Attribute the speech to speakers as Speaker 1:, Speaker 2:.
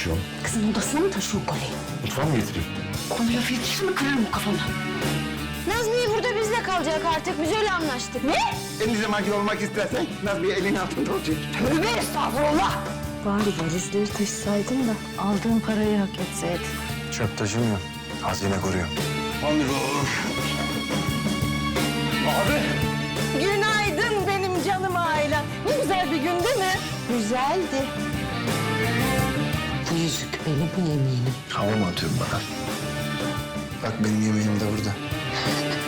Speaker 1: taşıyorsun?
Speaker 2: Kızın odasına mı taşıyor kolyeyi?
Speaker 1: Mutfağa mı getireyim?
Speaker 2: Bana laf yetişir mi kırarım o kafana. Nazmiye burada bizle kalacak artık. Biz öyle anlaştık. Ne?
Speaker 3: En zamanki olmak istersen Nazmiye elin altında olacak.
Speaker 2: Tövbe estağfurullah.
Speaker 4: Bari valizleri taşısaydın da aldığın parayı hak etseydin.
Speaker 1: Çöp taşımıyor. Hazine koruyor.
Speaker 4: Günaydın benim canım ailem. Ne güzel bir gün değil mi?
Speaker 2: Güzeldi.
Speaker 4: Bu yüzük benim yeminim.
Speaker 1: Hava mı atıyorsun bana? Bak benim yemeğim de burada.